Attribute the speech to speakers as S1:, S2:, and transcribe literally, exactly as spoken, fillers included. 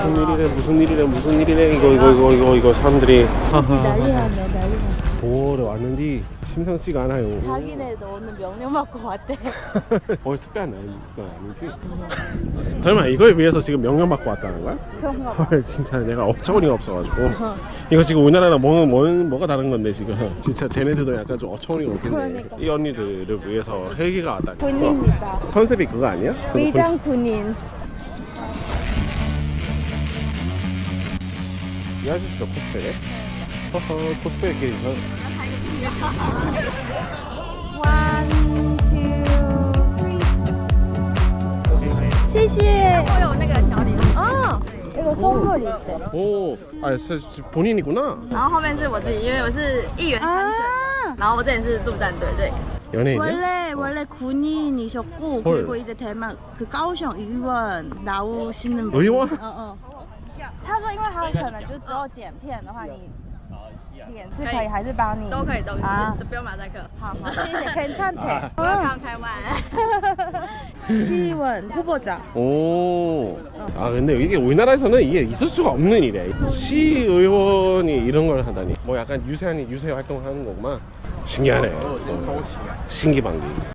S1: 무슨 일이래 무슨 일이래 무슨 일이래 이거 이거 이거 이거 이거 사람들이
S2: 난리 났네, 난리 났네.
S1: 보러 왔는데 심상치가 않아요.
S2: 자기네도 오늘 명령 받고 왔대.
S1: 뭘 특별한 건 아니지? 설마 이걸 위해서 지금 명령 받고 왔다는 거야?
S2: 그런가 봐.
S1: 헐 진짜 내가 어처구니가 없어가지고 이거 지금 우리나라랑 뭐, 뭐, 뭐가 다른 건데 지금 진짜 쟤네들도 약간 좀 어처구니가 없겠네.
S2: 그러니까.
S1: 이 언니들을 위해서 헬기가 왔다니.
S2: 군인이다.
S1: 컨셉이 그거 아니야?
S2: 위장 군인.
S1: 이 아저씨도 코스프레래? 허허 코스프레끼리 저
S2: One, two, three. 谢谢.
S3: 会有那个小礼物，
S2: 아, 이거 선물 있대.
S1: 오, 아, 스- 본인이구나.
S3: 然后后面是我自己，因为我是议员参选，
S2: 아,
S3: 然后我之前是陆战队，对。
S1: 연예인이야?
S2: 원래 원래 군인이셨고
S1: 헐.
S2: 그리고 이제 대만 그高雄 의원 나오시는 분.
S1: 의원?
S2: 어, 어. 他说因为他可能就只有剪片的话，你脸是可以还是帮你？
S3: 都可以，都可以，
S2: 啊
S3: 不用马赛克。
S2: 好好，谢谢괜찮대.
S3: Welcome Taiwan。
S2: 시의원 후보자.
S1: 오. 아, 근데 이게 우리나라에서는 이게 있을 수가 없는 일이야. 시의원이 이런 걸 하다니. 뭐 약간 유세하니 유세 활동을 하는 거구만. 신기하네. 신기방기.